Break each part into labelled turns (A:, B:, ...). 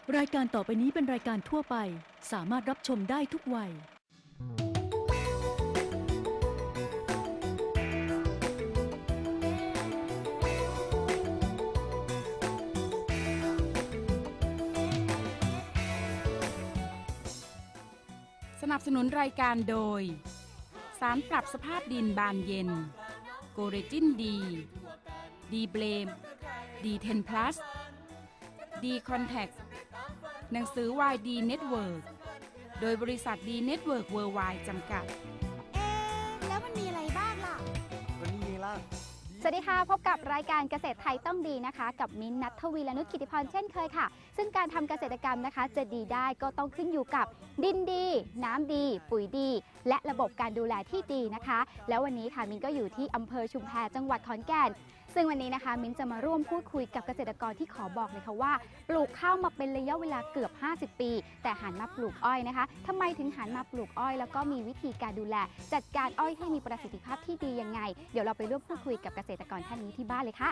A: รายการต่อไปนี้เป็นรายการทั่วไปสามารถรับชมได้ทุกวัย
B: สนับสนุนรายการโดยสารปรับสภาพดินบานเย็นโกเรจินดีดีเบลมดี10 plus ดีคอนแทคหนังสือวายดีเน็ตเวิร์กโดยบริษัทดีเน็ตเวิร์กเวิร์ไวด์จำกัด
C: แล้วมันมีอะไรบ้างล่ะ
D: ก็นี่ไงล่ะ
C: สวัสดีค่ะ พบกับรายการเกษตรไทยต้องดีนะคะ กับมิ้นท์ ณัฐวี และนุช กิติพรเช่นเคยค่ะ ซึ่งการทำเกษตรกรรมนะคะ จะดีได้ก็ต้องขึ้นอยู่กับดินดี น้ำดี ปุ๋ยดี และระบบการดูแลที่ดีนะคะ แล้ววันนี้ค่ะมิ้นก็อยู่ที่อำเภอชุมแพจังหวัดขอนแก่นซึ่งวันนี้นะคะมิ้นจะมาร่วมพูดคุยกับเกษตรกรที่ขอบอกเลยค่ะว่าปลูกข้าวมาเป็นระยะเวลาเกือบ50 ปีแต่หันมาปลูกอ้อยนะคะทำไมถึงหันมาปลูกอ้อยแล้วก็มีวิธีการดูแลจัดการอ้อยให้มีประสิทธิภาพที่ดียังไงเดี๋ยวเราไปร่วมพูดคุยกับเกษตรกรท่านนี้ที่บ้านเลยค่ะ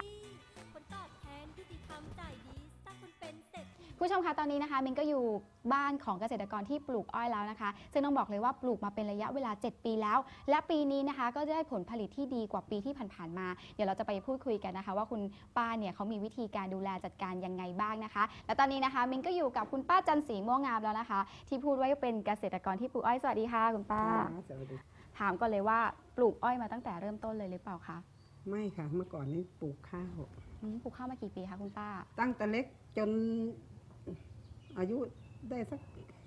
C: ผู้ชมคะตอนนี้นะคะมินก็อยู่บ้านของเกษตรกรที่ปลูกอ้อยแล้วนะคะซึ่งต้องบอกเลยว่าปลูกมาเป็นระยะเวลา7 ปีแล้วและปีนี้นะคะก็ได้ผลผลิตที่ดีกว่าปีที่ผ่านๆมาเดี๋ยวเราจะไปพูดคุยกันนะคะว่าคุณป้าเนี่ยเขามีวิธีการดูแลจัดการยังไงบ้างนะคะและตอนนี้นะคะมินก็อยู่กับคุณป้าจันศรีม่วงงามแล้วนะคะที่พูดว่าเป็นเกษตรกรที่ปลูกอ้อยสวัสดีค่ะคุณป้า
E: สวัสดี
C: ถามก่อนเลยว่าปลูกอ้อยมาตั้งแต่เริ่มต้นเลยหรือเปล่าคะ
E: ไม่ค่ะเมื่อก่อนนี้ปลูกข้าว
C: ปลูกข้าวมากี่ปีคะคุณป้า
E: ตั้งแต่เล็กจนอายุได้สัก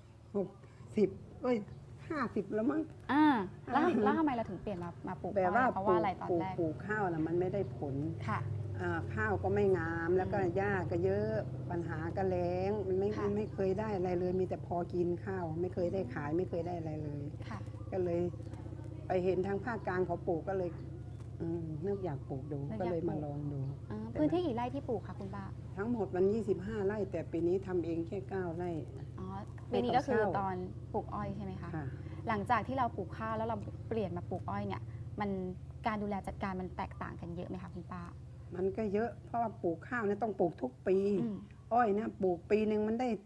E: 50แล้วมั้ง
C: แล้วทำไมเราถึงเปลี่ยนมาปลูกอ้อยเพราะว่าอะไรตอนแรก
E: ปลูกข้าวนะมันไม่ได้ผล
C: ค่ะ
E: ข้าวก็ไม่งามแล้วก็หญ้าก็เยอะปัญหาก็แล้งมันไม่เคยได้อะไรเลยมีแต่พอกินข้าวไม่เคยได้ขายไม่เคยได้อะไรเลยก็เลยไปเห็นทางภาคกลางเขาปลูกก็เลยนึกอยากปลูกดูก็เลยมาลองดู
C: พื้นที่กี่ไร่ที่ปลูกคะคุณป้า
E: ทั้งหมดมัน25 ไร่แต่ปีนี้ทำเองแค่9 ไร่
C: ปีนี้ก็คือตอนปลูกอ้อยใช่ไหมคะหลังจากที่เราปลูกข้าวแล้วเราเปลี่ยนมาปลูกอ้อยเนี่ยมันการดูแลจัดการมันแตกต่างกันเยอะไหมคะคุณป้า
E: มันก็เยอะเพราะว่าปลูกข้าวเนี่ยต้องปลูกทุกปีอ้อยเนี่ยปลูกปีหนึ่งมันได้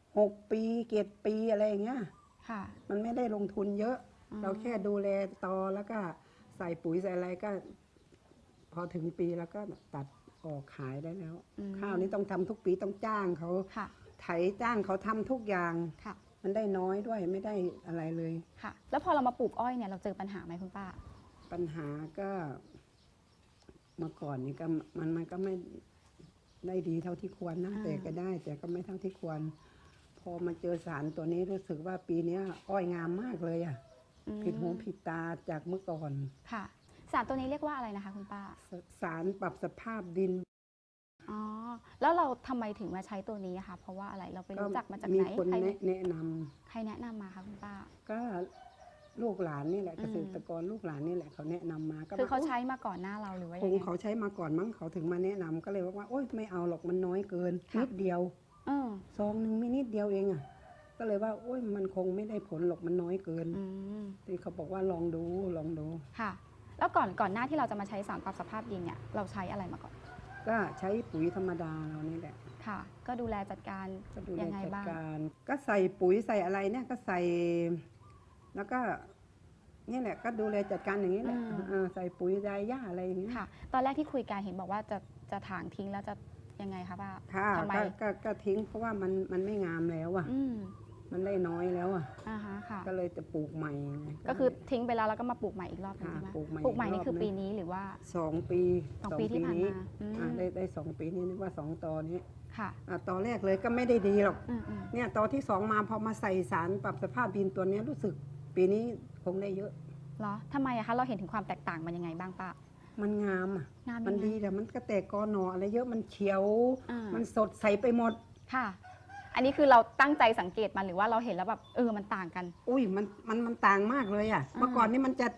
E: 6 ปี7 ปีอะไรอย่างเงี้ยมันไม่ได้ลงทุนเยอะเราแค่ดูแลตอแล้วก็ใส่ปุ๋ยใส่อะไรก็พอถึงปีแล้วก็ตัดออกขายได้แล้วข้าวนี้ต้องทำทุกปีต้องจ้างเขาไถจ้างเขาทำทุกอย่างมันได้น้อยด้วยไม่ได้อะไรเลย
C: ค่ะแล้วพอเรามาปลูกอ้อยเนี่ยเราเจอปัญหาไหมคุณป้า
E: ปัญหาก็เมื่อก่อนนี่ก็มันก็ไม่ได้ดีเท่าที่ควรนะแต่ก็ได้แต่ก็ไม่เท่าที่ควรพอมาเจอสารตัวนี้รู้สึกว่าปีนี้อ้อยงามมากเลยอ่ะผิดหูผิดตาจากเมื่อก่อน
C: ค่ะสารตัวนี้เรียกว่าอะไรนะคะคุณป้า
E: สารปรับสภาพดิน
C: อ๋อแล้วเราทำไมถึงมาใช้ตัวนี้นะคะเพราะว่าอะไรเราไปรู้จักมาจากไหน
E: มีคนแนะนำ
C: ใครแนะนำมาคะคุณป้า
E: ก็ลูกหลานนี่แหละเกษตรกรลูกหลานนี่แหละเขาแนะนำมา
C: คือเขาใช้มาก่อนหน้าเราหรือว่า
E: คงเขาใช้มาก่อนมั้งเขาถึงมาแนะนำก็เลยว่าโอ๊ยไม่เอาหรอกมันน้อยเกินนิดเดียวซองนึงไม่นิดเดียวเองอ่ะก็เลยว่าโอ๊ยมันคงไม่ได้ผลหรอกมันน้อยเกินที่เขาบอกว่าลองดู
C: ค่ะแล้วก่อนหน้าที่เราจะมาใช้สารปรับสภาพดินเนี่ยเราใช้อะไรมาก่อน
E: ก็ใช้ปุ๋ยธรรมดาเรานี่แหละ
C: ค่ะก็ดูแลจัดการยังไงบ้าง
E: ก็ใส่ปุ๋ยใส่อะไรเนี่ยก็ใส่แล้วก็นี่แหละก็ดูแลจัดการอย่างนี้แหละใส่ปุ๋ยใส่หญ้าอะไรอย่างเงี้ย
C: ค่ะตอนแรกที่คุยกันเห็นบอกว่าจะถางทิ้งแล้วจะยังไงคะป้า
E: ทำไมก็ทิ้งเพราะว่ามันไม่งามแล้วอ่ะมันได้น้อยแล้วอ่ะก็เลยจะปลูกใหม่
C: ก็คือทิ้งไปแล้วก็มาปลูกใหม่อีกรอบนึงใช่ไหมปลูกใหม่นี่คือปีนี้หรือว่า
E: 2 ปี
C: ที่ผ่านมา
E: ได้2 ปีนี้นึกว่า2 ตอนี้ค่ะตอแรกเลยก็ไม่ได้ดีหรอกเนี่ยตอที่2มาพอมาใส่สารปรับสภาพดินตัวนี้รู้สึกปีนี้คงได้เยอะ
C: เหรอทำไมอะคะเราเห็นถึงความแตกต่างมันยังไงบ้างป้า
E: มันงามอ่ะมันดีแต่มันก็แตกกอหนออะไรเยอะมันเขียวมันสดใสไปหมด
C: ค่ะอันนี้คือเราตั้งใจสังเกตมันหรือว่าเราเห็นแล้วแบบมันต่างกัน
E: อุ้ยมันต่างมากเลยอ่ะเมื่อก่อนนี่มันจะ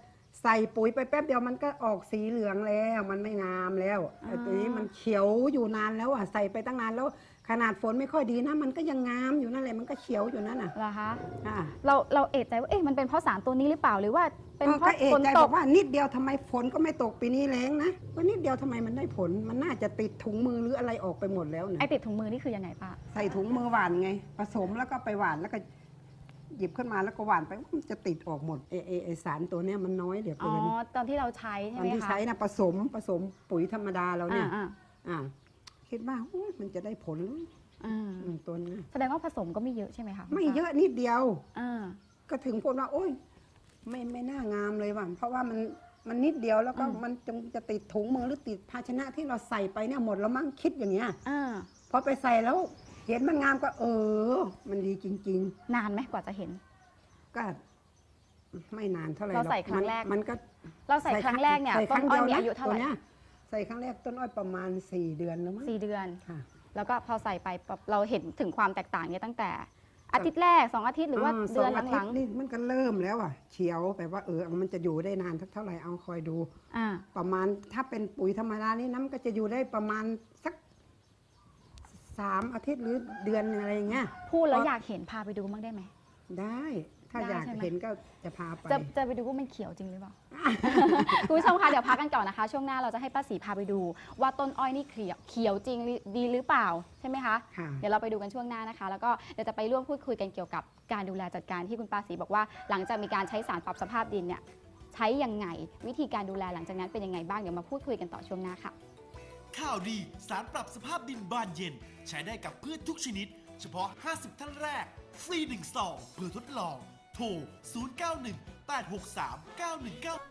E: ใส่ปุ๋ยไปแป๊บเดียวมันก็ออกสีเหลืองแล้วมันไม่งามแล้วไอ้ตัวนี้มันเขียวอยู่นานแล้วอ่ะใส่ไปตั้งนานแล้วขนาดฝนไม่ค่อยดีนะมันก็ยังงามอยู่นั่นแหละมันก็เขียวอยู่นั่นน่ะ
C: เหรอคะ
E: ค่ะ
C: เราเอะใจว่าเอ๊ะมันเป็นเพราะสารตัวนี้หรือเปล่าหรือว่าเป็นเพ
E: ก็
C: ราะ
E: เอะ
C: ฝน
E: ใจ
C: ต
E: บอก กว่านิดเดียวทำไมฝนก็ไม่ตกปีนี้แรงนะก็นิดเดียวทำไมมันได้ผลมันน่าจะติดถุงมือหรืออะไรออกไปหมดแล้วนะ
C: ไอติดถุงมือนี่คือยังไงป้า
E: ใส่ถุงมือหวานไง ผสมแล้วก็ไปหวานแล้วก็หยิบขึ้นมาแล้วก็หวานไปมันจะติดออกหมดไอสารตัวเนี้ยมันน้อยเหลือ
C: อ๋อ
E: เกิน
C: ตอนที่เราใช้ใช่
E: ตอ
C: ไห
E: น
C: ม
E: ที่
C: คะ
E: ใช้นะผสมปุ๋ยธรรมดาเราเนี่ย
C: อ่า
E: อ่าคิดว่าอุ๊ยมันจะได้ผล
C: อ่า
E: ตัวนี้
C: แสดงว่าผสมก็ไม่เยอะใช่ไหมคะ
E: ไม่เยอะนิดเดียว
C: อ่า
E: ก็ถึงพูดว่าโอ๊ยไม่น่างามเลยว่ะเพราะว่ามันนิดเดียวแล้วก็มันจะติดถุงมือหรือติดภาชนะที่เราใส่ไปเนี่ยหมดแล้วมั้งคิดอย่างเงี้ย
C: อ่า
E: พอไปใส่แล้วเห็นมันงามก็มันดีจริง
C: นานไหมกว่าจะเห็น
E: ๆ ก็ไม่นานเท่าไหร่
C: เราใส่
E: หอก
C: ครั้งแรก
E: มันก็
C: เราใส่ครั้งแรกเนี่ย
E: ใส่
C: ต้
E: คน รั้ง
C: อ้อย
E: เดีว
C: มีอายุเท่าไหร่
E: ตัวนี้ใส่ครั้งแรกต้นอ้อยประมาณ4 เดือนแล้วมั้ง
C: 4 เดือน
E: ค่ะ
C: แล้วก็พอใส่ไปปั๊บเราเห็นถึงความแตกต่างเนี่ยตั้งแต่อาทิตย์แรก2 อาทิตย์หรือว่าเดือน
E: สงาทิ
C: ห
E: ต
C: ลัง
E: ย์นี่มันก็เริ่มแล้วอ่ะเขียวแบบว่ามันจะอยู่ได้นานเท่าไหร่เอาคอยดู
C: ๆอ่า
E: ประมาณถ้าเป็นปุ๋ยธรรมดานี่น้ำก็จะอยู่ได้ประมาณสัก3 อาทิตย์หรือเดือนหนึ่งอะไรอย่างเงี้ย
C: พูดแล้วอยากเห็นพาไปดูบ้างได้ไหม
E: ได้ถ้า
C: ได้
E: อยาก
C: ใช่ไหม
E: เห็นก็จะพาไป
C: จะไปดูว่ามันเขียวจริงหรือเปล่า คุณผู้ชมคะเดี๋ยวพักกันก่อนนะคะ ช่วงหน้าเราจะให้ป้าศรีพาไปดู ว่าต้นอ้อยนี่เขียวจริงดีหรือเปล่าใช่ไหมคะ
E: ค่ะ
C: เดี๋ยวเราไปดูกันช่วงหน้านะคะ แล้วก็เดี๋ยวจะไปร่วมพูดคุยกันเกี่ยวกับการดูแลจัดการที่คุณป้าศรีบอกว่าหลังจากมีการใช้สารปรับสภาพดินเนี่ยใช้ยังไงวิธีการดูแลหลังจากนั้นเป็นยังไงบ้างเดี๋ยวมาพูดคุยกันต่อช่วงหน้าค่ะ
D: ข่าวดีสารปรับสภาพดินบานเย็น ใช้ได้กับพืชทุกชนิด เฉพาะ 50 ท่านแรก ฟรี1ซองเพื่อทดลอง โทร 0918639199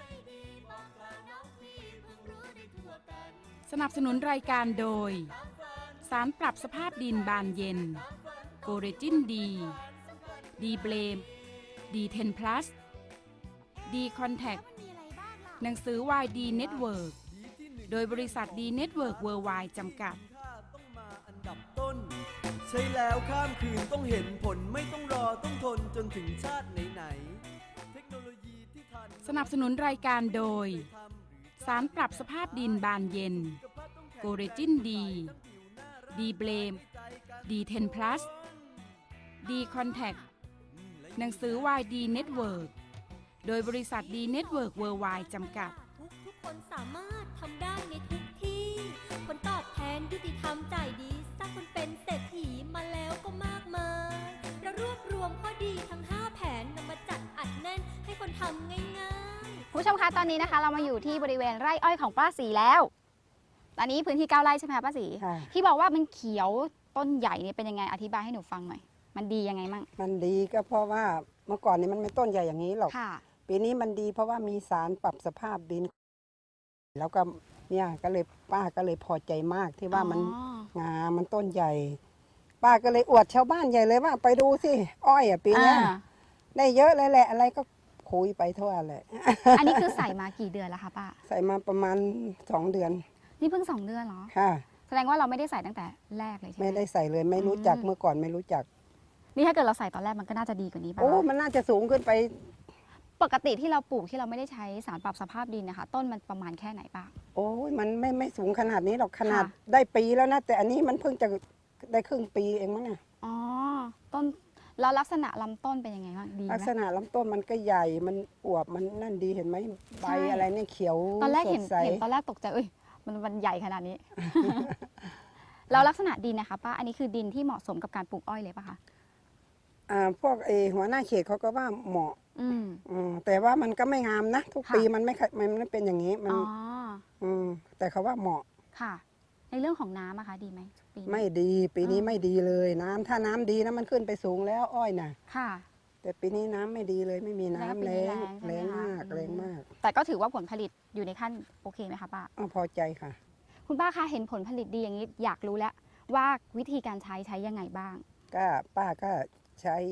B: สนับสนุนรายการโดย สารปรับสภาพดินบานเย็น โกเรจินดี ดีเบลม ดีเทนพลัส ดีคอนแทค หนังสือวายดีเน็ตเวิร์ก โดยบริษัทดีเน็ตเวิร์กเวิร์ไวด์จำกัด
F: ต้องมาอันดับต้น ใช่แล้วข้ามคืนต้องเห็นผลไม่ต้องรอต้องทนจนถึงชาติไหนๆเทคโนโลยีที่ทัน
B: สนับสนุนรายการโดย สารปรับสภาพดินบานเย็น โกเรจินดี ดีเบลม ดีเทนพลัส ดีคอนแทค หนังสือวายดีเน็ตเวิร์ก โดยบริษัทดีเน็ตเวิร์กเวิร์ไวด์จำกัด
G: ทุกคนสามารถทำได้ในทุกที่ ผลตอบแทนยุติธรรมจ่ายดีสร้างคนเป็นเศรษฐีมาแล้วก็มากมายเรารวบรวมข้อดีทั้ง 5 แผนนำมาจัดอัดแน่นให้คนทำง่ายๆ
C: คุณผู้ชมคะตอนนี้นะคะ เรามาอยู่ที่บริเวณไร่อ้อยของป้าศรีแล้ว ตอนนี้พื้นที่9 ไร่ใช่ไหมคะป้าศรี
E: ค่ะ
C: ที่บอกว่ามันเขียวต้นใหญ่เนี่ยเป็นยังไงอธิบายให้หนูฟังหน่อย มันดียังไงมั่ง
E: มันดีก็เพราะว่าเมื่อก่อนนี้มันไม่ต้นใหญ่อย่างนี้หรอก
C: ค่ะ
E: ปีนี้มันดีเพราะว่ามีสารปรับสภาพดิน แล้วก็เนี่ยก็เลยป้าก็เลยพอใจมากที่ว่ามัน
C: อ๋อ
E: งามมันต้นใหญ่ ป้าก็เลยอวดชาวบ้านใหญ่เลยว่าไปดูสิอ้อยอ่ะปีเนี้ย
C: อ่า
E: ได้เยอะเลยแหละอะไรก็คุยไปทั่วเลย
C: อันนี้คือใส่มากี่เดือนแล้วคะป้า
E: ใส่มาประมาณ2 เดือน
C: นี่เพิ่ง2 เดือนเหรอ
E: ค่ะ
C: แสดงว่าเราไม่ได้ใส่ตั้งแต่แรกเลยใช่ไหม
E: ไม่ได้ใส่เลยไม่รู้จัก
C: อืม
E: เมื่อก่อนไม่รู้จัก
C: นี่ถ้าเกิดเราใส่ตอนแรกมันก็น่าจะดีกว่านี้ป่ะ
E: โอ้มันน่าจะสูงขึ้นไป
C: ปกติที่เราปลูกที่เราไม่ได้ใช้สารปรับสภาพดินนะคะ ต้นมันประมาณแค่ไหนป้า
E: โอ้ยมันไม่สูงขนาดนี้หรอกขนาด
C: ค่ะ
E: ได้ปีแล้วนะแต่อันนี้มันเพิ่งจะได้ครึ่งปีเองมั้งเนี่ย
C: อ๋อต้นแล้วลักษณะลำต้นเป็นยังไงบ้างดีไห
E: ลักษ
C: ม
E: ณะลำต้นมันก็ใหญ่มันอวบมันนั่นดีเห็นไหมใบ
C: ใช่
E: อะไรเนี่ยเขียว
C: ตอนแรกเห็น
E: สดใส
C: ตอนแรกตกใจเอ้ยมันใหญ่ขนาดนี้ แล้วลักษณะดินนะคะป้าอันนี้คือดินที่เหมาะสมกับการปลูกอ้อยเลยป่ะคะ
E: พวกหัวหน้าเขตเขาก็ว่าเหมาะ
C: อืม
E: แต่ว่ามันก็ไม่งามนะ ทุก
C: ค่ะ
E: ปีมันไม่เป็นอย่างนี้มัน
C: อ๋อ
E: แต่เขาว่าเหมาะ
C: ค่ะ ในเรื่องของน้ำอะคะดีไหมปีนี้
E: ไม่ดีปีนี้ไม่ดีเลยน้ำถ้าน้ำดีนะมันขึ้นไปสูงแล้วอ้อยน่ะ
C: ค่ะ
E: แต่ปีนี้น้ำไม่ดีเลยไม่มีน้ำ
C: แล้
E: แร
C: ว
E: ง
C: ปีนี้แรงใช่ไหมคะ
E: แรงมาก
C: อืม
E: แรงมาก
C: แต่ก็ถือว่าผลผลิตอยู่ในขั้นโอเคไหมคะป้า
E: พอใจค่ะ
C: คุณป้าคะเห็นผลผลิตดีอย่างนี้อยากรู้แล้วว่าวิธีการใช้ยังไงบ้าง
E: ก็ป้าก็ใช้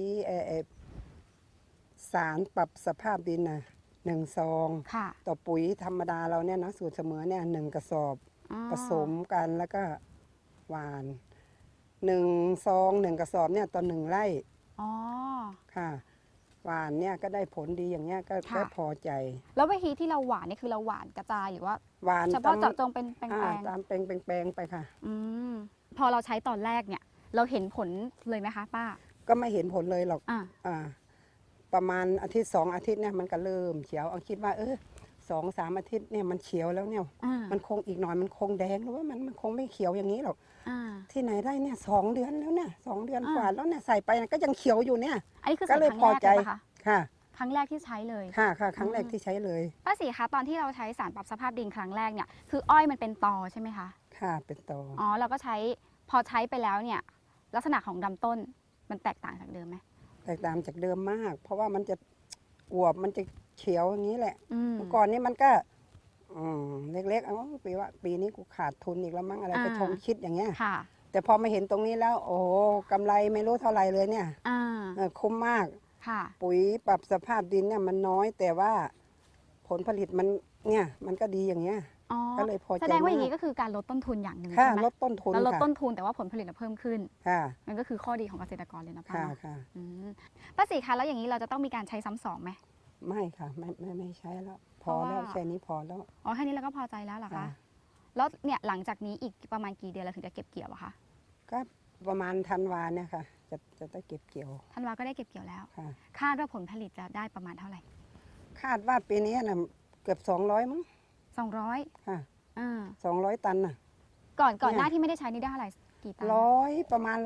E: สารปรับสภาพดินนะ1 ซอง
C: ค่ะ
E: ต่อปุ๋ยธรรมดาเราเนี่ยนะสูตรเสมอเนี่ย1 กระสอบ
C: อ๋อ
E: ผสมกันแล้วก็หวาน1 ซอง 1 กระสอบเนี่ยต่อ1 ไร่
C: อ๋อ
E: ค่ะหวานเนี่ยก็ได้ผลดีอย่างเงี้ยก็
C: ค่ะ
E: พอใจ
C: แล้ววิธีที่เราหวานนี่คือเราหวานกระจายหรือว่า
E: หวาน
C: เฉพาะเจาะจงเป็นแปล
E: ตามแปลงไปค่ะ
C: ๆพอเราใช้ตอนแรกเนี่ย เราเห็นผลเลยไหมคะป้า
E: ก็ไม่เห็นผลเลยหรอก
C: อ่า
E: ประมาณอาทิตย์2 อาทิตย์เนี่ยมันก็เริ่มเขียวเอาคิดว่า2-3 อาทิตย์เนี่ยมันเขียวแล้วเนี่ย
C: อ่า
E: มันคงอีกหน่อยมันคงแดงหรือว่ามันคงไม่เขียวอย่างนี้หรอก
C: อ่า
E: ที่ไหนได้เนี่ย2 เดือนแล้วเนี่ย2 เดือน
C: อ่า
E: กว่าแล้วเนี่ยใส่ไปก็ยังเขียวอยู่เนี่ย
C: อันนี้คือ
E: ก็
C: ใส่
E: เลย
C: ครั้ง
E: พอ
C: แรก
E: ใจ
C: เลยปะคะ
E: ค่ะ
C: ครั้งแรกที่ใช้เลย
E: ค่ะครั้งแรกที่ใช้เลย
C: ป้าศรีคะตอนที่เราใช้สารปรับสภาพดินครั้งแรกเนี่ยคืออ้อยมันเป็นตอใช่ไหมคะ
E: ค่ะเป็นตอ
C: อ๋อเราก็ใช้พอใช้ไปแล้วเนี่ยลักษณะของลำต้นมันแตกต่างจากเดิมไหม
E: แตกต่างจากเดิมมาก เพราะว่ามันจะอวบมันจะเขียวอย่างนี้แหละ
C: อืม
E: เมื่อก่อนนี้มันก็เล็กๆปีนี้กูขาดทุนอีกแล้วมั้งอะไรก็
C: อ่า
E: ชงคิดอย่างเงี้ย
C: ค่ะ
E: แต่พอมาเห็นตรงนี้แล้ว โอ้โหกำไรไม่รู้เท่าไหร่เลยเนี่ย
C: อ่า
E: คุ้มมาก
C: ค่ะ
E: ปุ๋ยปรับสภาพดินเนี่ยมันน้อย แต่ว่าผลผลิตมันเนี่ยมันก็ดีอย่างเงี้ย
C: อ๋อ
E: ก็เลยพอใจ
C: แสดงว่าอย่าง
E: มาก
C: นี้ก็คือการลดต้นทุนอย่างหนึ่ง
E: ค่ะ
C: ใช่ไหม
E: ลดต้นทุน
C: แล้วลด
E: ค่ะ
C: ต้นทุนแต่ว่าผลผลิตเพิ่มขึ้น
E: ค่ะ
C: นั่นก็คือข้อดีของเกษตรกรเลยนะป้า
E: ค่ะ
C: เนาะ
E: ค่ะ
C: อืมป้าศรีคะแล้วอย่างนี้เราจะต้องมีการใช้ซ้ำสองไหม
E: ไม่ค่ะไม่ใช้แล้ว พอ
C: เพราะว่า
E: แล้วแค่นี้พอแล้ว
C: อ๋อแค่นี้เราก็พอใจแล้วเหรอคะ
E: ค่ะ
C: แล้วเนี่ยหลังจากนี้อีกประมาณกี่เดือนเราถึงจะเก็บเกี่ยวอะคะ
E: ก็ประมาณธันวาเนี่ยค่ะ จะได้เก็บเกี่ยว
C: ธันวาก็ได้เก็บเกี่ยวแล้ว
E: ค่ะ
C: คาดว่าผลผลิตจะได้ประมาณเท่าไหร่
E: คาดว่าปีนี้นะเกือบ200มั้ง
C: 200
E: ค่ะ
C: อ่า
E: 200 ตันน่ะ
C: ก่อน
E: เนี่ย
C: หน้าที่ไม่ได้ใช้นี่ได้เท่าไหร่กี่ตัน
E: ประมาณ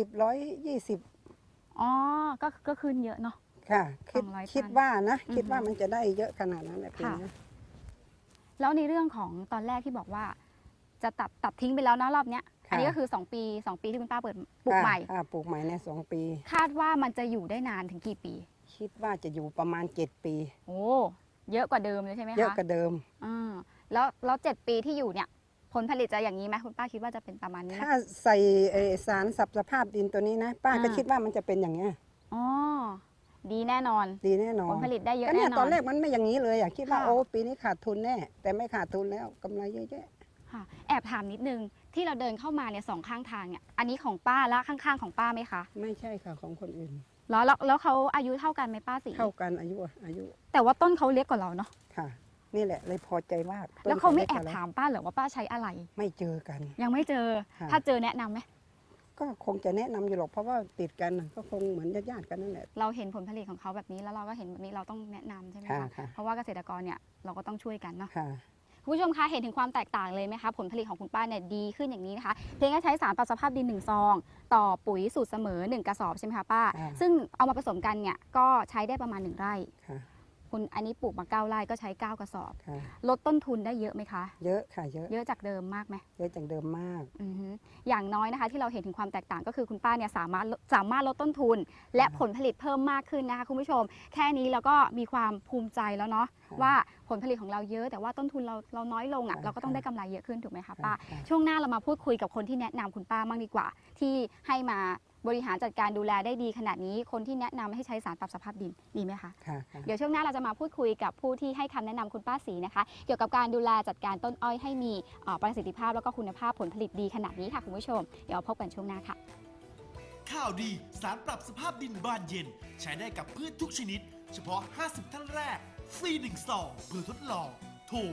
E: 110-120
C: อ๋อก็ขึ้นเยอะเนาะ
E: ค่ะ
C: 200
E: คิด
C: ตัน
E: ว่านะ
C: อือฮึ
E: คิดว่ามันจะได้เยอะขนาดนั้นแหละปี
C: ค่ะ
E: นี้
C: แล้วในเรื่องของตอนแรกที่บอกว่า จะตัดทิ้งไปแล้วนะรอบเนี้ย
E: ค่ะ
C: อันนี้ก็คือ2ปีที่คุณป้าเปิดปลูกใหม่
E: ค่ะปลูกใหม่เนี่ย2 ปี
C: คาดว่ามันจะอยู่ได้นานถึงกี่ปี
E: คิดว่าจะอยู่ประมาณ7 ปี
C: โอ้เยอะกว่าเดิมเลยใช่ไหมคะ
E: เยอะกว่าเดิม
C: อ่าแล้ว7 ปีที่อยู่เนี่ยผลผลิตจะอย่างนี้ไหมคุณป้าคิดว่าจะเป็นประมาณนี้ไหม
E: ถ้าใส่สารสับสภาพดินตัวนี้นะ ป้าก็
C: อ่า
E: คิดว่ามันจะเป็นอย่างเงี้ย
C: อ๋อดีแน่นอน
E: ดีแน่นอ
C: ผ
E: น
C: ลผลิตได้เยอะ
E: ก็
C: แน่
E: เนี่ย
C: นอน
E: ตอนแรกมันไม่อย่างนี้เลยคิดว่า
C: ค่ะ
E: โอ้ปีนี้ขาดทุนแน่แต่ไม่ขาดทุนแล้วกำไรเยอะแยะ
C: ค่ะแอบถามนิดนึงที่เราเดินเข้ามาเนี่ยสองข้างทางเนี่ยอันนี้ของป้าและข้างๆของป้าไหมคะ
E: ไม่ใช่ค่ะของคนอื่น
C: แล้วเขาอายุเท่ากันไหมป้าสี
E: เท่ากันอายุ
C: แต่ว่าต้นเขาเล็กกว่าเราเนาะ
E: ค่ะ นี่แหละเลยพอใจมาก
C: แล้วเขาไม่
E: ต้น
C: แอบ
E: ล็กกว่
C: ถามป้าเหรอว่าป้าใช้อะไร
E: ไม่เจอกัน
C: ยังไม่เจอ
E: ค่ะ
C: ถ้าเจอแนะนำไหม
E: ก็คงจะแนะนำอยู่หรอกเพราะว่าติดกันน่ะก็คงเหมือนญาติๆกันนั่นแหละ
C: เราเห็นผลผลิตของเขาแบบนี้แล้วเราก็เห็นแบบนี้เราต้องแนะนำใช่ไหม
E: ค่ะ
C: คะ
E: ค่ะ
C: เพราะว่าเกษตรกรเนี่ยเราก็ต้องช่วยกันเนาะ
E: ค่ะ
C: คุณผู้ชมคะเห็นถึงความแตกต่างเลยไหมคะผลผลิตของคุณป้าเนี่ยดีขึ้นอย่างนี้นะคะเพียงแค่ใช้สารปรับสภาพดิน1 ซองต่อปุ๋ยสูตรเสมอ1 กระสอบใช่ไหมคะป้า
E: ค่ะ
C: ซึ่งเอามาผสมกันเนี่ยก็ใช้ได้ประมาณ1 ไร่
E: ค่ะ
C: คุณอันนี้ปลูกมา9 ไร่ก็ใช้ 9 กระสอบ
E: ค่ะ
C: ลดต้นทุนได้เยอะไหมคะ
E: เยอะค่ะเยอะ
C: เยอะจากเดิมมากไหม
E: เยอะจากเดิมมาก
C: อือฮึอย่างน้อยนะคะที่เราเห็นถึงความแตกต่างก็คือคุณป้าเนี่ยสามารถลดต้นทุน และผลผลิตเพิ่มมากขึ้นนะคะคุณผู้ชม แค่นี้เราก็มีความภูมิใจแล้วเนาะ
E: ค่ะ
C: ว่าผลผลิตของเราเยอะแต่ว่าต้นทุนเราน้อยลงอ่ะ
E: ค่ะ
C: เราก็ต้องได้กำไรเยอะขึ้นถูกไหมคะป้า
E: ค่ะ
C: ช่วงหน้าเรามาพูดคุยกับคนที่แนะนำคุณป้าบ้างดีกว่า ที่ให้มาบริหารจัดการดูแลได้ดีขนาดนี้คนที่แนะนำให้ใช้สารปรับสภาพดินดีไหมคะ
E: ค่ะค่ะ
C: เดี๋ยวช่วงหน้าเราจะมาพูดคุยกับผู้ที่ให้คำแนะนำคุณป้าศรีนะคะ เกี่ยวกับการดูแลจัดการต้นอ้อยให้มีประสิทธิภาพแล้วก็คุณภาพผลผลิตดีขนาดนี้ค่ะคุณผู้ชม เดี๋ยวพบกันช่วงหน้าค่ะ
D: ข่าวดีสารปรับสภาพดินบานเย็น ใช้ได้กับพืชทุกชนิด เฉพาะ 50 ท่านแรก ฟรี1 ซองเพื่อทดลอง โทร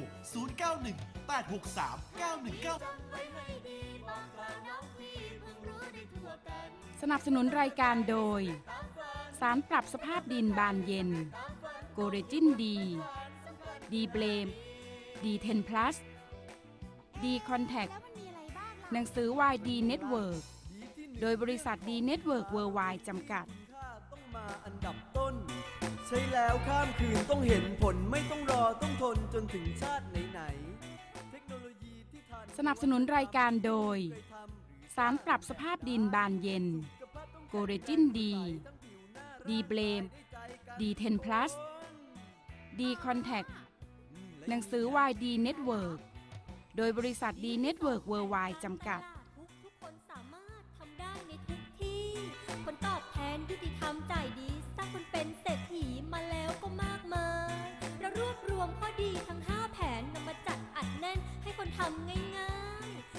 D: 0918639199
B: สนับสนุนรายการโดย สารปรับสภาพดินบานเย็น โกเรจินดี ดีเบลม ดีเทนพลัส ดีคอนแทค หนังสือวายดีเน็ตเวิร์ก โดยบริษัทดีเน็ตเวิร์กเวิร์ไวด์จำกัด
F: ต้องมาอันดับต้น ใช้แล้วข้ามคืนต้องเห็นผลไม่ต้องรอต้องทนจนถึงชาติไหนๆเทคโนโลยีที่ทัน
B: สนับสนุนรายการโดย สารปรับสภาพดินบานเย็น โกเรจินดี ดีเบลม ดีเทนพลัส ดีคอนแทค หนังสือวายดีเน็ตเวิร์ก โดยบริษัทดีเน็ตเวิร์กเวิร์ไวด์จำกัด
G: ทุกคนสามารถทำได้ในทุกที่ ผลตอบแทนยุติธรรมจ่ายดีสร้างคนเป็นเศรษฐีมาแล้วก็มากมายเรารวบรวมข้อดีทั้ง 5 แผนนำมาจัดอัดแน่นให้คนทำง่ายๆตั้งผล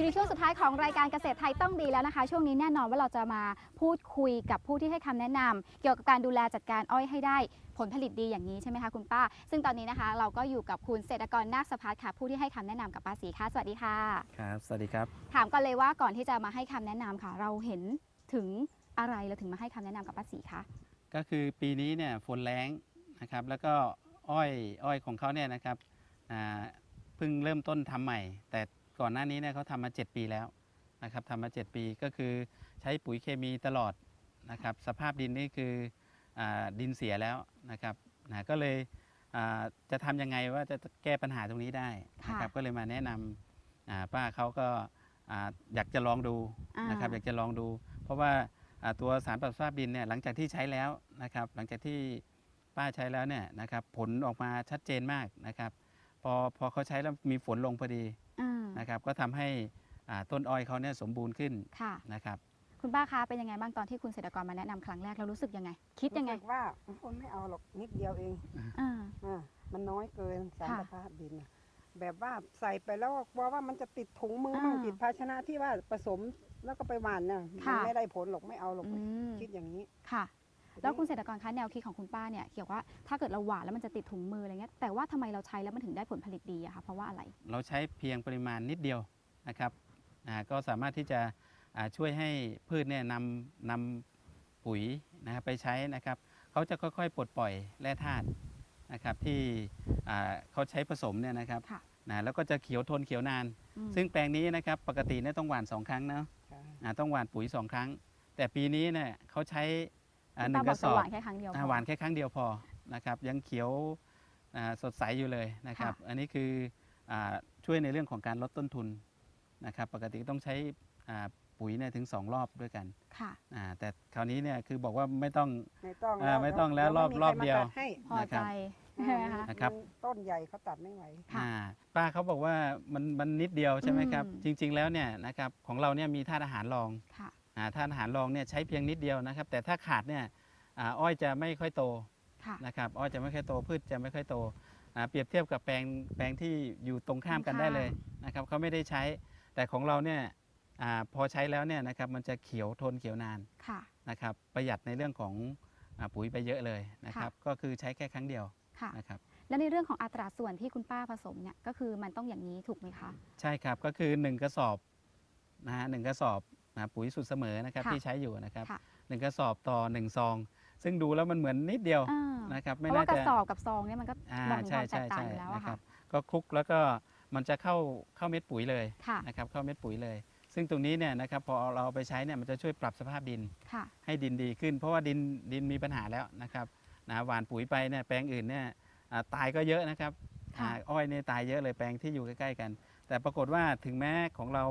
C: อยู่ในช่วงสุดท้ายของรายการเกษตรไทยต้องดีแล้วนะคะ ช่วงนี้แน่นอนว่าเราจะมาพูดคุยกับผู้ที่ให้คำแนะนำเกี่ยวกับการดูแลจัดการอ้อยให้ได้ผลผลิตดีอย่างนี้ใช่ไหมคะคุณป้า ซึ่งตอนนี้นะคะเราก็อยู่กับคุณเศรษฐกรนาคสภัทรค่ะผู้ที่ให้คำแนะนำกับป้าศรีค่ะสวัสดีค่ะ
H: ครับสวัสดีครับ
C: ถามก่อนเลยว่าก่อนที่จะมาให้คำแนะนำค่ะ เราเห็นถึงอะไรเราถึงมาให้คำแนะนำกับป้าศรีคะ
H: ก็คือปีนี้เนี่ยฝนแรงนะครับแล้วก็อ้อยของเขาเนี่ยนะครับเพิ่งเริ่มต้นทำใหม่ แต่ก่อนหน้านี้เนี่ยเขาทำมา 7 ปีแล้วนะครับทำมา 7 ปีก็คือใช้ปุ๋ยเคมีตลอดนะครับสภาพดินนี่คือดินเสียแล้วนะครับก็เลยจะทำยังไงว่าจะแก้ปัญหาตรงนี้ได้นะครับก็เลยมาแนะนำป้าเขาก็อยากจะลองดูนะครับอยากจะลองดู เพราะว่าตัวสารปรับสภาพดินเนี่ยหลังจากที่ใช้แล้วนะครับหลังจากที่ป้าใช้แล้วเนี่ยนะครับผลออกมาชัดเจนมากนะครับพอเขาใช้แล้วมีฝนลงพอดีนะครับก็ทำให้ต้นอ้อยเขาเนี่ยสมบูรณ์ขึ้นนะครับ
C: คุณป้าคะเป็นยังไงบ้างตอนที่คุณเศรษฐกรมาแนะนำครั้งแรกเรารู้สึกยังไงคิดยังไง
E: รู้สึกว่าคนไม่เอาหรอกนิดเดียวเองมันน้อยเกินสารสภาพดินน่ะแบบว่าใส่ไปแล้วกลัวว่ามันจะติดถุงมือมั่งติดภาชนะที่ว่าผสมแล้วก็ไปหว่านเนี่ยมันไม่ได้ผลหรอกไม่เอาหรอกคิดอย่างนี้
C: ค่ะ แล้วคุณเศรษฐกรคะแนวคิดของคุณป้าเนี่ยเกี่ยวกับว่าถ้าเกิดเราหว่านแล้วมันจะติดถุงมืออะไรเงี้ยแต่ว่าทำไมเราใช้แล้วมันถึงได้ผลผลิตดีอะคะเพราะว่าอะไร
H: เราใช้เพียงปริมาณนิดเดียวนะครับก็สามารถที่จะช่วยให้พืชเนี่ยนำปุ๋ยนะครับไปใช้นะครับเขาจะค่อยๆปลดปล่อยแร่ธาตุนะครับที่เขาใช้ผสมเนี่ยนะครับแล้วก็จะเขียวทนเขียวนาน ซึ่งแปลงนี้นะครับปกติเนี่ยต้องหว่าน2 ครั้งนะต้องหว่านปุ๋ย2 ครั้งแต่ปีนี้เนี่ยเขาใช้1 กระสอบหว่านแค่ครั้งเดียวพอนะครับยังเขียวสดใสอยู่เลยนะครับอันนี้คือช่วยในเรื่องของการลดต้นทุนนะครับปกติต้องใช้ปุ๋ยเนี่ยถึง2 รอบด้วยกันแต่คราวนี้เนี่ยคือบอกว่าไม่ต้องแล้วรอบเดียว
C: พอใจ
H: นะครับ
E: ต้นใหญ่เขาตัดไม่ไหว
H: ป้าเขาบอกว่ามันนิดเดียวใช่ไหมครับจริงๆแล้วเนี่ยนะครับของเราเนี่ยมีธาตุอาหารรองธาตุอาหารรองเนี่ยใช้เพียงนิดเดียวนะครับแต่ถ้าขาดเนี่ยอ้อยจะไม่ค่อยโตนะครับอ้อยจะไม่ค่อยโตพืชจะไม่ค่อยโตเปรียบเทียบกับแปลงที่อยู่ตรงข้ามกันได้เลยนะครับเขาไม่ได้ใช้แต่ของเราเนี่ยพอใช้แล้วเนี่ยนะครับมันจะเขียวทนเขียวนานนะครับประหยัดในเรื่องของปุ๋ยไปเยอะเลยนะครับก็คือใช้แค่ครั้งเดียวนะครับ
C: และในเรื่องของอัตราส่วนที่คุณป้าผสมเนี่ยก็คือมันต้องอย่างนี้ถูกไหมคะ
H: ใช่ครับก็คือ1 กระสอบ1 กระสอบปุ๋ยสูตรเสมอนะครับที่ใช้อยู่นะครับ1 กระสอบต่อ1 ซองซึ่งดูแล้วมันเหมือนนิดเดียวนะครับ
C: เพราะว่ากระสอบกับซองเนี่ยมันก็มองถึงความแตกต่างอยู่แล้ว
H: ครับก็คลุกแล้วก็มันจะเข้าเม็ดปุ๋ยเลยนะครับเข้าเม็ดปุ๋ยเลยซึ่งตรงนี้เนี่ยนะครับพอเราไปใช้เนี่ยมันจะช่วยปรับสภาพดินให้ดินดีขึ้นเพราะว่าดินมีปัญหาแล้วนะครับหว่านปุ๋ยไปเนี่ยแปลงอื่นเนี่ยตายก็เยอะนะครับอ้อยเนี่ยตายเยอะเลยแปลงที่อยู่ใกล้ๆกันแต่ปรากฏว่าถึงแม้ของเรา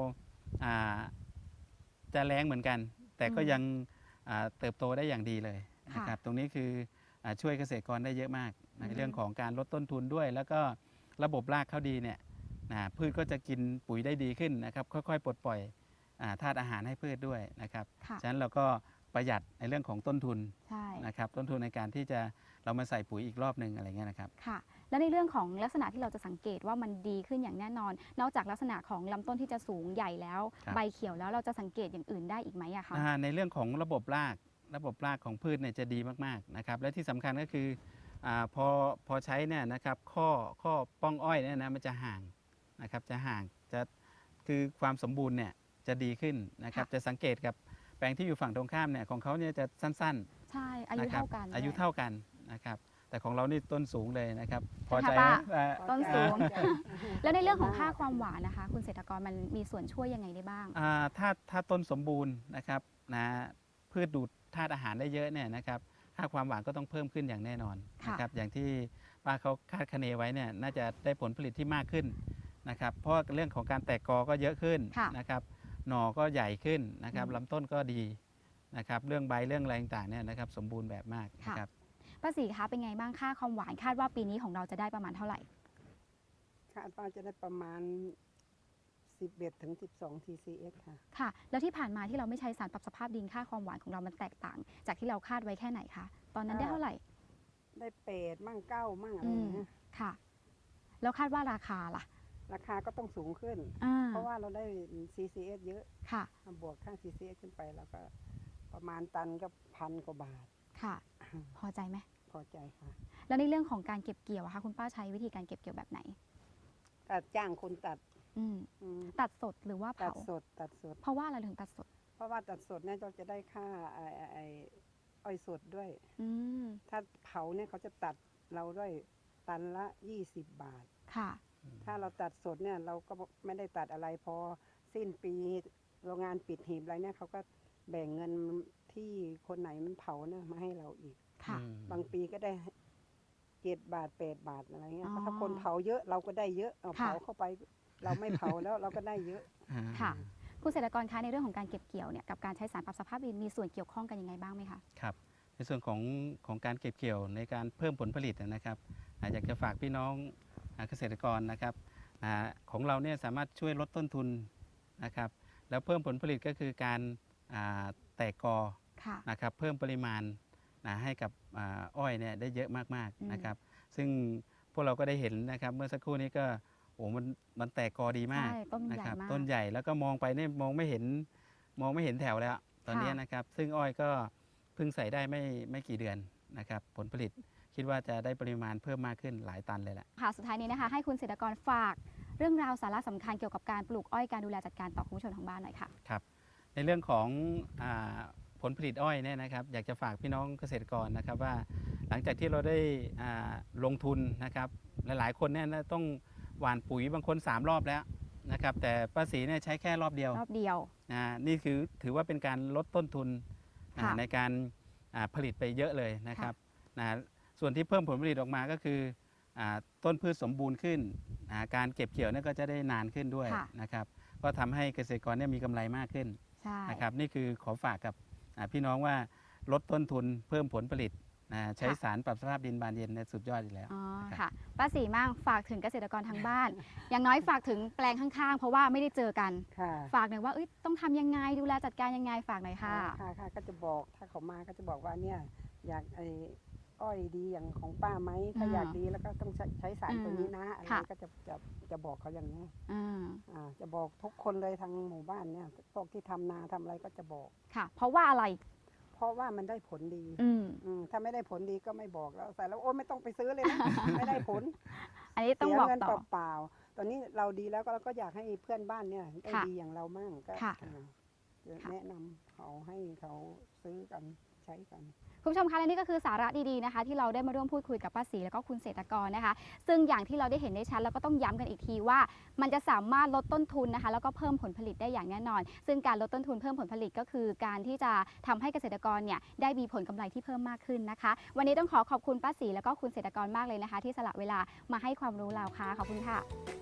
H: จะแรงเหมือนกันแต่ก็ยังเติบโตได้อย่างดีเลยนะครับตรงนี้คือช่วยเกษตรกรได้เยอะมากในเรื่องของการลดต้นทุนด้วยแล้วก็ระบบรากเขาดีเนี่ยพืชก็จะกินปุ๋ยได้ดีขึ้นนะครับค่อยๆปลดปล่อยธาตุอาหารให้พืชด้วยนะครับฉะนั้นเราก็ประหยัดในเรื่องของต้นทุนนะครับต้นทุนในการที่จะเรามาใส่ปุ๋ยอีกรอบนึงอะไรเงี้ยนะครับ
C: ค่ะและในเรื่องของลักษณะที่เราจะสังเกตว่ามันดีขึ้นอย่างแน่นอนนอกจากลักษณะของลำต้นที่จะสูงใหญ่แล้วใบเขียวแล้วเราจะสังเกตอย่างอื่นได้อีกไหมอะคะ
H: ในเรื่องของระบบรากของพืชเนี่ยจะดีมากๆนะครับและที่สำคัญก็คือพอใช้เนี่ยนะครับข้อป้องอ้อยเนี่ยนะมันจะห่างนะครับจะห่างจะคือความสมบูรณ์เนี่ยจะดีขึ้นนะครับจะสังเกตกับแปลงที่อยู่ฝั่งตรงข้ามเนี่ยของเขาเนี่ยจะสั้น
C: ๆใช่อายุเท่ากัน
H: นะครับแต่ของเรานี่ต้นสูงเลยนะครับพอใจ
C: ต้นสูงแล้วในเรื่องของค่าความหวานนะคะคุณเศรษฐกรมันมีส่วนช่วยยังไงได้บ้าง
H: ถ้าต้นสมบูรณ์นะครับพืชดูดธาตุอาหารได้เยอะเนี่ยนะครับค่าความหวานก็ต้องเพิ่มขึ้นอย่างแน่นอนนะครับอย่างที่ป้าเขาคาดคะเนไว้เนี่ยน่าจะได้ผลผลิตที่มากขึ้นนะครับเพราะเรื่องของการแตกกอก็เยอะขึ้นนะครับหน่อก็ใหญ่ขึ้นนะครับลำต้นก็ดีนะครับเรื่องใบเรื่องอะไรต่างๆเนี่ยนะครับสมบูรณ์แบบมากนะครับ
C: ป้าศรีคะเป็นไงบ้างค่าความหวานคาดว่าปีนี้ของเราจะได้ประมาณเท่าไหร่
E: คาดว่าจะได้ประมาณ11 ถึง 12 TCS
C: ค่ะแล้วที่ผ่านมาที่เราไม่ใช้สารปรับสภาพดินค่าความหวานของเรามันแตกต่างจากที่เราคาดไว้แค่ไหนคะตอนนั้นได้เท่าไหร่
E: ได้8 มั่ง 9 มั่งอะไรอย่างเงี้ย
C: ค่ะแล้วคาดว่าราคาล่ะ
E: ราคาก็ต้องสูงขึ้น เพราะว่าเราได้ CCS เยอะ
C: ค่ะ
E: บวกค่า CCS ขึ้นไปแล้วก็ประมาณตันก็1,000 กว่าบาท
C: ค่ะ พอใจไหม
E: พอใจค่ะ
C: แล้วในเรื่องของการเก็บเกี่ยวอะคะคุณป้าใช้วิธีการเก็บเกี่ยวแบบไหน
E: ตัดจ้างคนตัด
C: อืม
E: อืม
C: ตัดสดหรือว่า
E: ตั
C: เผา
E: ดสดตัดสด
C: เพราะว่าอะไรถึงตัดสด
E: เพราะว่าตัดสดเนี่ยเราจะได้ค่าไอ้อ้อยสดด้วย
C: อืม
E: ถ้าเผาเนี่ยเขาจะตัดเราด้วยตันละ 20 บาท
C: ค่ะ
E: ถ้าเราตัดสดเนี่ยเราก็ไม่ได้ตัดอะไรพอสิ้นปีโรงงานปิดหีบอะไรเนี่ยเขาก็แบ่งเงินที่คนไหนมันเผาเนี่ยมาให้เราอีก
C: ค่ะ
E: บางปีก็ได้7 บาท 8 บาทอะไรเงี้ย
C: อ๋อ
E: ถ้าคนเผาเยอะเราก็ได้เยอะเอา
C: ค่ะ
E: เผาเข้าไป เราไม่เผาแล้วเราก็ได้เยอะ
C: ค่ะ คุณเกษตรกรคะในเรื่องของการเก็บเกี่ยวเนี่ยกับการใช้สารปรับสภาพดินมีส่วนเกี่ยวข้องกันยังไงบ้างไหมคะ
H: ครับในส่วนของการเก็บเกี่ยวในการเพิ่มผลผลิตนะครับอยากจะฝากพี่น้องเกษตรกรนะครับของเราเนี่ยสามารถช่วยลดต้นทุนนะครับแล้วเพิ่มผลผลิตก็คือการแตกกอ
C: ค่ะ
H: นะครับเพิ่มปริมาณให้กับอ้อยเนี่ยได้เยอะมากๆนะครับซึ่งพวกเราก็ได้เห็นนะครับเมื่อสักครู่นี้ก็มันแตกกอดีมาก
C: ใช่ต้นใหญ่
H: นะครับ
C: มาก
H: ต้นใหญ่แล้วก็มองไปเนี่ยมองไม่เห็นแถวแล้วตอนนี้นะครับซึ่งอ้อยก็เพิ่งใส่ได้ไม่กี่เดือนนะครับผลผลิตคิดว่าจะได้ปริมาณเพิ่มมากขึ้นหลายตันเลยแหละ
C: ค่ะ สุดท้ายนี้นะคะให้คุณเกษตรกรฝากเรื่องราวสาระสำคัญเกี่ยวกับการปลูกอ้อยการดูแลจัดการต่อคุณผู้ชมทางบ้านหน่อยค่ะ
H: ครับในเรื่องของผลผลิตอ้อยเนี่ยนะครับอยากจะฝากพี่น้องเกษตรกรนะครับว่าหลังจากที่เราได้ลงทุนนะครับหลายๆคนเนี่ยต้องหว่านปุ๋ยบางคน3 รอบแล้วนะครับแต่ป้าศรีเนี่ยใช้แค่รอบเดียว
C: รอบเดียว
H: นี่คือถือว่าเป็นการลดต้นทุน
C: ค่ะ
H: ในการผลิตไปเยอะเลยนะครับส่วนที่เพิ่มผลผลิตออกมาก็คือต้นพืชสมบูรณ์ขึ้นการเก็บเกี่ยวเนี่ยก็จะได้นานขึ้นด้วย
C: ค่ะ
H: นะครับก็ทำให้เกษตรกรเนี่ยมีกำไรมากขึ้น
C: ใช่
H: นะครับนี่คือขอฝากกับพี่น้องว่าลดต้นทุนเพิ่มผลผลิตใช้สารปรับสภาพดินบานเย็นเนี่ยสุดยอดอยู่แล้ว
C: อ๋อ
H: นะครับ
C: ค่ะป้าศรีมั่งฝากถึงเกษตรกรทางบ้าน อย่างน้อยฝากถึงแปลงข้างๆ เพราะว่าไม่ได้เจอกัน
E: ค่ะ
C: ฝากหน่อยว่าต้องทำยังไงดูแลจัดการยังไงฝากหน่อยค่ะ
E: ค่ะก็จะบอกถ้าเขามาก็จะบอกว่าเนี่ยอยากอ้อยดีอย่างของป้าไหมถ้าอยากดีแล้วก็ต้องใช้สารตัวนี้นะอะไร
C: ค่ะ
E: ก็จะบอกเขาอย่างนี้
C: อ่า
E: จะบอกทุกคนเลยทางหมู่บ้านเนี่ยพวกที่ทำนาทำอะไรก็จะบอก
C: ค่ะ เพราะว่าอะไร
E: เพราะว่ามันได้ผลดี
C: อืม
E: ถ้าไม่ได้ผลดีก็ไม่บอกแล้วใส่แล้วโอ้ไม่ต้องไปซื้อเลยนะ ไม่ได้ผล
C: อันนี้ต้อง
E: เสีย
C: บอก
E: เงิน
C: ต่อ
E: เปล่าๆตอนนี้เราดีแล้วก็เราก็อยากให้เพื่อนบ้านเนี่ยได้
C: ค่ะ
E: ดีอย่างเรามั่งก็
C: ค่ะ
E: จะ
C: ค่ะ
E: แนะนำเขาให้เขาซื้อกันใช้กัน
C: คุณผู้ชมคะและนี่ก็คือสาระดีๆนะคะ ที่เราได้มาร่วมพูดคุยกับป้าศรีแล้วก็คุณเกษตรกรนะคะ ซึ่งอย่างที่เราได้เห็นได้ชัดแล้วก็ต้องย้ำกันอีกทีว่า มันจะสามารถลดต้นทุนนะคะ แล้วก็เพิ่มผลผลิตได้อย่างแน่นอน ซึ่งการลดต้นทุนเพิ่มผลผลิตก็คือการที่จะทำให้เกษตรกรเนี่ยได้มีผลกำไรที่เพิ่มมากขึ้นนะคะ วันนี้ต้องขอบคุณป้าศรีแล้วก็คุณเกษตรกรมากเลยนะคะ ที่สละเวลามาให้ความรู้เราค่ะขอบคุณค่ะ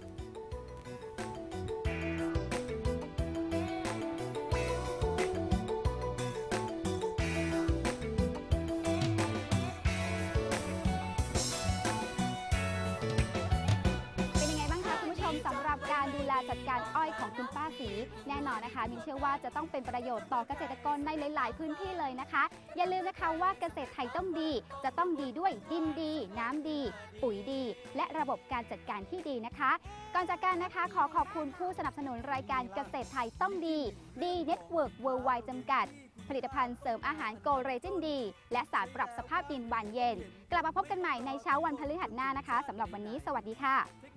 C: เป็นยังไงบ้างคะคุณผู้ชมสำหรับการดูแลจัดการอ้อยของคุณป้าศรีแน่นอนนะคะมินเชื่อว่าจะต้องเป็นประโยชน์ต่อเกษตรกรในหลาย ๆ พื้นที่เลยนะคะ อย่าลืมนะคะว่าเกษตรไทยต้องดี จะต้องดีด้วยดินดี น้ำดี ปุ๋ยดี และระบบการจัดการที่ดีนะคะ ก่อนจากกันนะคะขอขอบคุณผู้สนับสนุนรายการเกษตรไทยต้องดีดีเน็ตเวิร์กเวิร์ไวจำกัด ผลิตภัณฑ์เสริมอาหารโกเรจินดีและสารปรับสภาพดินบานเย็น กลับมาพบกันใหม่ในเช้าวันพฤหัสหน้านะคะสำหรับวันนี้สวัสดีค่ะ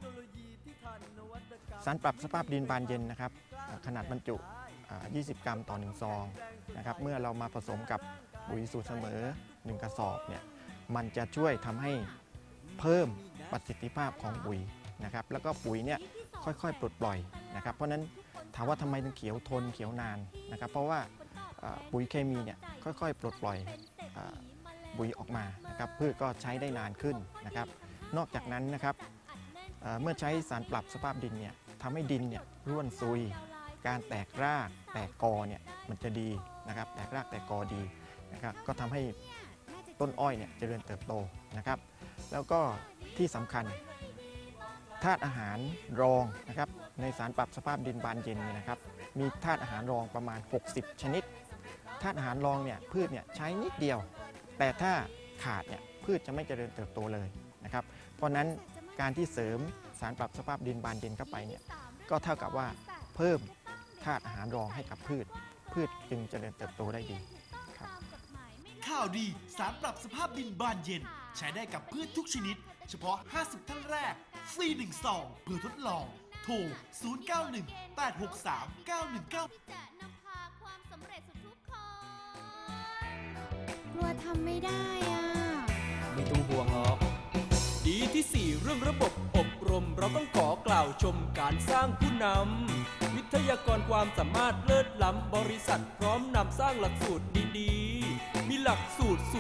I: สารปรับสภาพดินบานเย็นนะครับขนาดบรรจุ 20 กรัมต่อ 1 ซองนะครับเมื่อเรามาผสมกับปุ๋ยสูตรเสมอ 1 กระสอบเนี่ยมันจะช่วยทำให้เพิ่มประสิทธิภาพของปุ๋ยนะครับแล้วก็ปุ๋ยเนี่ยค่อยๆปลดปล่อยนะครับเพราะฉะนั้นถามว่าทำไมถึงเขียวทนเขียวนานนะครับเพราะว่าปุ๋ยเคมีเนี่ยค่อยๆปลดปล่อยปุ๋ยออกมานะครับพืชก็ใช้ได้นานขึ้นนะครับนอกจากนั้นนะครับเมื่อใช้สารปรับสภาพดินเนี่ยทำให้ดินเนี่ยร่วนซุยการแตกรากแตกกอเนี่ยมันจะดีนะครับแตกรากแตกกอดีนะครับก็ทำให้ต้นอ้อยเนี่ยเจริญเติบโตนะครับแล้วก็ที่สำคัญธาตุอาหารรองนะครับในสารปรับสภาพดินบานเย็นเนี่ยนะครับมีธาตุอาหารรองประมาณ60ชนิดธาตุอาหารรองเนี่ยพืชเนี่ยใช้นิดเดียวแต่ถ้าขาดเนี่ยพืชจะไม่เจริญเติบโตเลยนะครับเพราะนั้นการที่เสริมสารปรับสภาพดินบานเย็นเข้าไปเนี่ยก็เท่ากับว่าเพิ่มธาตุอาหารรองให้กับพืชจึงเจริญเติบโตได้ดีครับ
D: ข่าวดีสารปรับสภาพดินบานเย็น ใช้ได้กับพืชทุกชนิด เฉพาะ 50 ท่านแรก ฟรี1ซองเพื่อทดลอง โทร 091 863 919
J: กลัวทำไม่ได้อ่ะ
F: ไม่ต้องห่วงหรอก ดีที่ 4 เรื่องระบบอบรม เราต้องขอกล่าวชมการสร้างผู้นำวิทยากรความสามารถเลิศล้ำบริษัทพร้อมนำสร้างหลักสูตรดีๆ มีหลักสูตร